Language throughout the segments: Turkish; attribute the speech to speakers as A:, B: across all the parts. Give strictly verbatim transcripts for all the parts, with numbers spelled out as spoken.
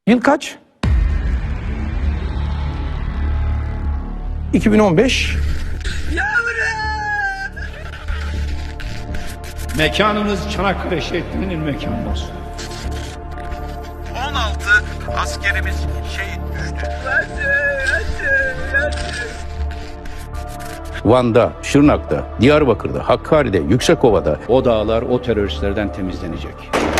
A: Yıl kaç? iki bin on beş.
B: Mekanımız Çanakkale şehrinin mekanı olsun.
C: on altı askerimiz şehit düştü.
D: Van'da, Şırnak'ta, Diyarbakır'da, Hakkari'de, Yüksekova'da o dağlar o teröristlerden temizlenecek.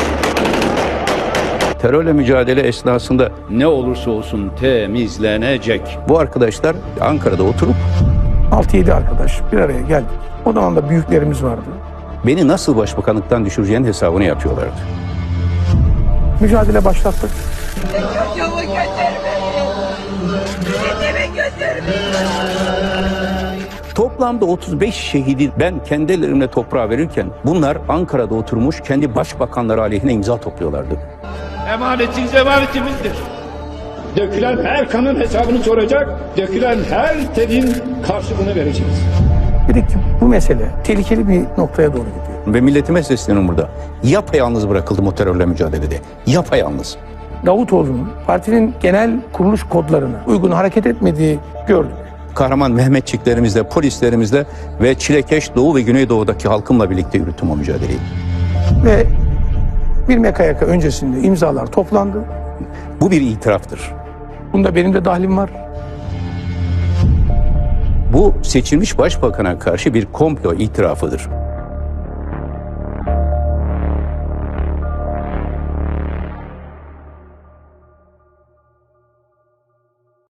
D: Terörle mücadele esnasında ne olursa olsun temizlenecek. Bu arkadaşlar Ankara'da oturup
A: altı yedi arkadaş bir araya geldik. O zaman da büyüklerimiz vardı.
D: beni nasıl başbakanlıktan düşüreceğinin hesabını yapıyorlardı.
A: Mücadele başlattık.
E: Çocuğumu götürmeyin. Dedemi götürmeyin.
D: Toplamda otuz beş şehidi ben kendi ellerimle toprağa verirken bunlar Ankara'da oturmuş kendi başbakanları aleyhine imza topluyorlardı.
B: Emanetiniz emanetimizdir. Dökülen her kanın hesabını soracak, dökülen her terin karşılığını vereceğiz.
A: Dedik ki bu mesele tehlikeli bir noktaya doğru gidiyor.
D: Ve milletime sesleniyorum burada. Yapayalnız bırakıldım o terörle mücadelede. Yapayalnız.
A: Davutoğlu'nun partinin genel kuruluş kodlarına uygun hareket etmediği gördük.
D: Kahraman Mehmetçiklerimizle, polislerimizle ve çilekeş Doğu ve Güneydoğu'daki halkımla birlikte yürüttüm o mücadeleyi.
A: Ve bir mekayaka öncesinde imzalar toplandı.
D: Bu bir itiraftır.
A: Bunda benim de dahlim var.
D: Bu seçilmiş başbakana karşı bir komplo itirafıdır.